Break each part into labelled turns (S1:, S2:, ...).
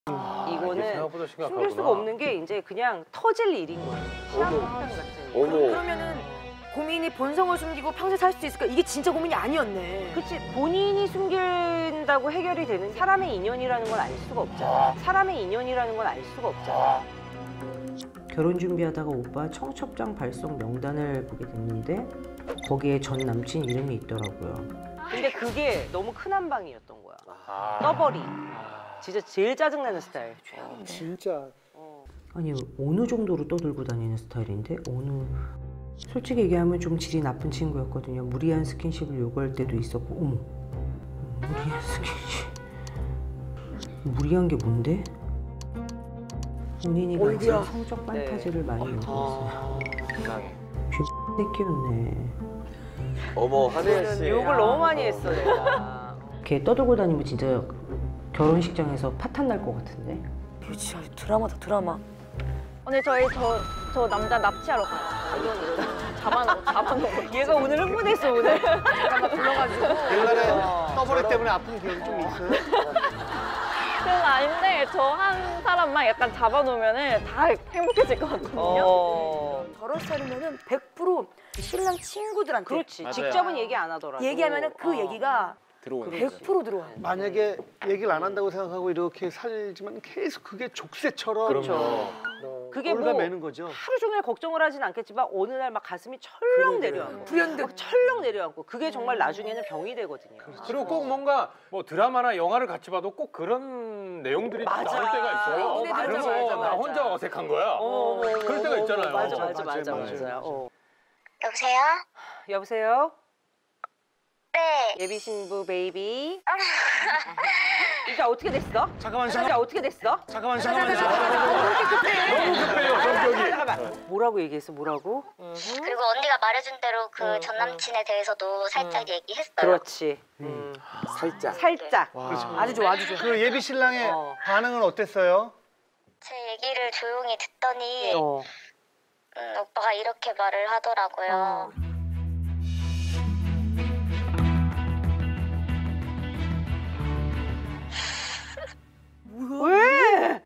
S1: 이거는
S2: 생각보다
S1: 숨길
S2: 심각하구나.
S1: 수가 없는 게 이제 그냥 터질 일인 거예요. 시한폭탄 같은.
S2: 어머.
S3: 그러면은 고민이 본성을 숨기고 평생 살 수 있을까? 이게 진짜 고민이 아니었네.
S1: 그치, 본인이 숨긴다고 해결이 되는 사람의 인연이라는 걸 알 수가 없잖아. 사람의 인연이라는 걸 알 수가 없잖아. 결혼 준비하다가 오빠 청첩장 발송 명단을 보게 됐는데 거기에 전 남친 이름이 있더라고요. 근데 그게 너무 큰 한 방이었던 거야. 떠버리. 진짜 제일 짜증나는 스타일.
S4: 진짜.
S1: 아니 어느 정도로 떠들고 다니는 스타일인데 솔직히 얘기하면 좀 질이 나쁜 친구였거든요. 무리한 스킨십을 요구할 때도 있었고. 어머, 무리한 스킨십. 무리한 게 뭔데? 본인이 가진 성적 판타지를 많이 요구했어요. 새끼였네.
S2: 어머, 한혜연 씨.
S1: 욕을 너무 많이 했어 내가. 걔 떠들고 다니면 진짜 결혼식장에서 파탄 날 것 같은데.
S3: 이거 진짜 드라마다 드라마.
S5: 오늘 저 남자 납치하러 가요. 잡아놓고.
S1: 얘가 오늘 흥분했어 오늘.
S3: 드라마 불러가지고.
S4: 옛날에 떠버리 때문에 아픈 기억이 좀 있어요?
S5: 그건 아닌데 저 한 사람만 약간 잡아놓으면 다 행복해질 것 같거든요.
S3: 저런 스타일이면은 100% 신랑 친구들한테
S1: 그렇지.
S2: 맞아요.
S1: 직접은 얘기 안 하더라도.
S3: 얘기하면은 그 얘기가
S6: 들어오는
S3: 100% 들어와.
S4: 만약에 얘기를 안 한다고 생각하고 이렇게 살지만 계속 그게 족쇄처럼
S1: 그렇죠. 그게
S4: 올라
S1: 뭐
S4: 매는 거죠.
S1: 하루 종일 걱정을 하진 않겠지만 어느 날 막 가슴이 철렁 내려앉고
S3: 불현듯.
S1: 막 철렁 내려앉고 그게 정말 나중에는 병이 되거든요.
S2: 그리고 꼭 뭔가 뭐 드라마나 영화를 같이 봐도 꼭 그런 내용들이 나올 때가 있어요.
S3: 맞아,
S2: 그래서
S1: 맞아,
S2: 나
S1: 맞아.
S2: 혼자 어색한 거야. 그럴 때가 있잖아요.
S1: 맞아.
S7: 여보세요?
S1: 여보세요?
S7: 네.
S1: 예비 신부 베이비. 이제 어떻게 됐어?
S4: 잠깐만.
S1: 이제 어떻게 됐어?
S4: 잠깐만.
S2: 너무 급해요, 성격이.
S1: 잠깐만. 뭐라고 얘기했어? 뭐라고?
S7: 그리고 언니가 말해준 대로 그 전 남친에 대해서도 살짝 얘기했어요.
S1: 그렇지.
S6: 살짝.
S1: 살짝.
S3: 아주 좋아, 아주 좋아.
S4: 그 예비 신랑의 반응은 어땠어요?
S7: 제 얘기를 조용히 듣더니
S1: 어.
S7: 오빠가 이렇게 말을 하더라고요.
S1: 왜?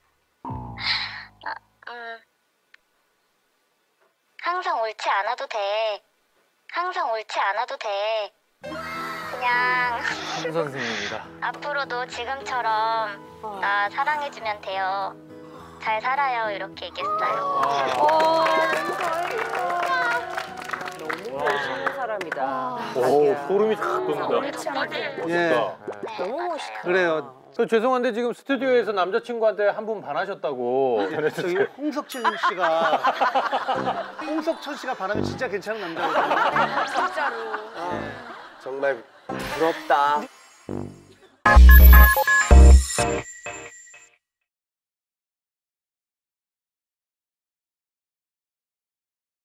S7: 항상 옳지 않아도 돼. 항상 옳지 않아도 돼. 그냥
S6: 한 선생님이다.
S7: 앞으로도 지금처럼 나 사랑해주면 돼요. 잘 살아요. 이렇게 얘기했어요.
S1: 너무 멋있는 사람이다.
S2: 오, 소름이 쫙 돋는다.
S3: 옳지 않아도
S4: 예.
S3: 너무 멋있다.
S4: 그래요.
S2: 죄송한데 지금 스튜디오에서 남자친구한테 한 분 반하셨다고
S4: 저기
S2: 전해주세요.
S4: 홍석천 씨가 바람이 진짜 괜찮은 남자거든요.
S3: 진짜로.
S6: 정말 부럽다.